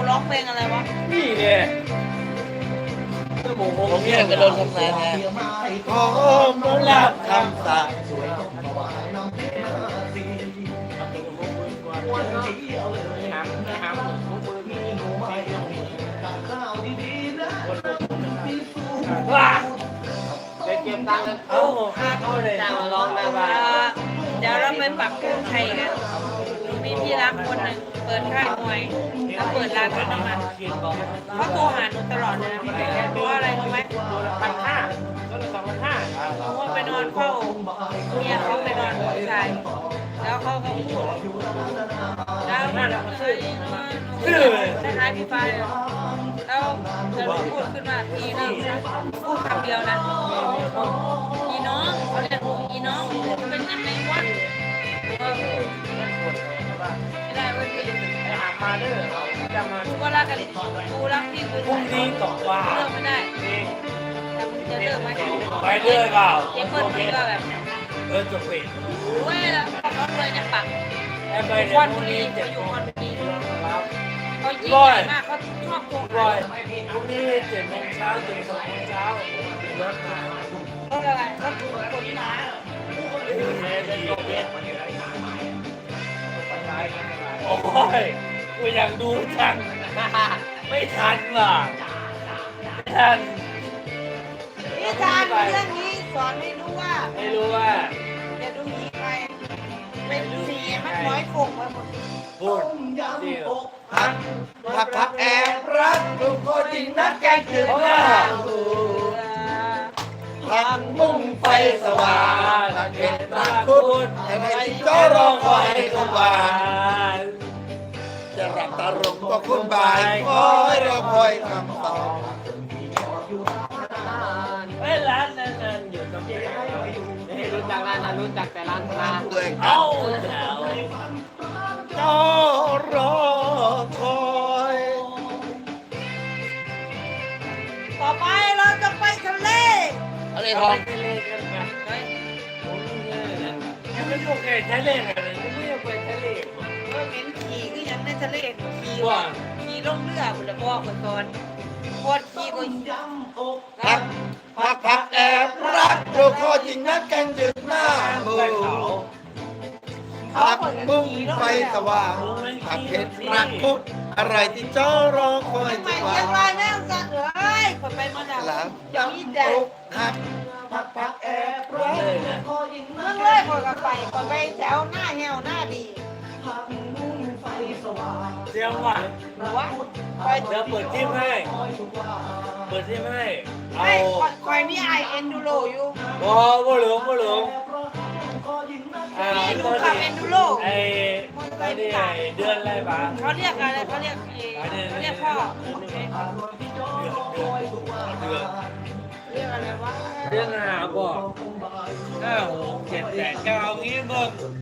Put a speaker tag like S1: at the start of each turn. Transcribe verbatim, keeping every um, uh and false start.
S1: ร้องเพลงอะไรวะ
S2: นี่เนี่ยผมเนี่ยกระโดดทำงานไงขอมรับคำสาปว้าไปเก็บตังค์แล้วเอาเขาเลยจ้างมาร้องหน้าบ้าน
S1: เดี๋ยวเราไปปักธงชัยกันมีพี่รักคนหนึ่งเปิดค่ายมวยแล้วเปิดร้านปั๊มน้ำมันเขาโทรหาหนูตลอดเลยนะพี่แกเพราะอะไรรู้ไหม
S2: พันห้าก็เลยสองพันห้า
S1: เพราะว่าไปนอนเฝ้าเมียเขาไปนอนกับชายแล้วเขาก็พูดแล้วมันชื่อชื่อคล้ายๆพี่ฟ้าเลยแล้วเธอพูดขึ้นมาพี่น้องพูดคำเดียวนะพี่น้องเขาเรียกพี่น้องเป็นยังไงวะไม่ได้เว้ยพี่
S2: ไปหามาเด้อจะมา
S1: กูก็รักกันกูรักพี่กู
S2: พรุ่งนี้ตกว่า
S1: เลิกไม่ได้แต่มึงจะเลิกไหม
S2: ไปเลิกเปล่า
S1: เจ๊เปิ้ลพี่ก็แบบ
S2: เออจบปิด
S1: เว้ยแล้วเขาเลยเนี่ยปัก
S2: ไปค
S1: วันบุรีเขาอยู่วันบุรีเขายิ่งใหญ่มากเขาชอบโกง
S2: ร้อยพรุ่งนี้เจ็ดโมงเช้าถึงสองโมงเช้ารถมา
S1: เขาอะไรเขาถูกคนมา
S2: โอ้ยกูอยากดูจังไม่ทันว่ะไม่ทัน
S1: นิทานเรื่องนี้สอนไม่รู้ว่า
S2: ไม่รู้ว่า
S1: จะดูมีใครเป็นสีมันน้อยคงไว้หมด
S2: พูดสิพักพักพักแอบรักลูกโคจิงนักแกงถึงหน้าพักมุ่งไฟสว่างเห็นตาคุณแต่ไม่ก็รอคอยทุกวันจะรับตาลงก็คุณบ่ายคอยรอคอยคำตอบเฮ้ยร้านนั้นอยู่ตรงนี้ไม่รู้จักร้านนั้นรู้จักแต่ร้านร้านตัวเองเอาเจ้ารอคอย
S1: ต่อไปเราจะไปทะเล
S2: อะไรทองทะเลกันไหมผมเนี่ยยังไม่โอเคทะเลกันเลยไม่อยากไปทะเล
S1: ก็เหม็นขี่ก็ยังในทะเลขี่ว่าขี่ล่องเรือบุญละพ่อคนตอนโคตรขี่ก็
S2: พักพักพักแอบรักโดโคจริงนักแกงดึกหน้ามือพักมุ่งไฟสว่างพักเห็นรักคุดอะไรที่เจ้ารอคอย
S1: ทุกวันยังไงแม่สัตว์เอ้ยคนไปมาแล้วอย่างนี้แดง
S2: พักพักพักแอบรักโคจริง
S1: เมื่อเลยคนกับไปคนไปแถวหน้าเหี่ยวหน้าดี
S2: เสียงว่ะ
S1: วะ
S2: เดี๋ยวเปิดทิมให้เปิดทิมให้
S1: เอาคอยนี่ไอเอ็นดูโรอยู่
S2: บ่บ่หลงบ่หลง
S1: นี่ดูขับเอ็นดูโร
S2: ไอ้ไอ้นี่เดือนอะไรบ้าง
S1: เขาเรียกอะไรเขาเรียกเขาเรียกพ่อ
S2: เดือน
S1: เรียกอะไรวะ
S2: เดือนหาบอกห้าหกเจ็ดแปดเก้างี้มึง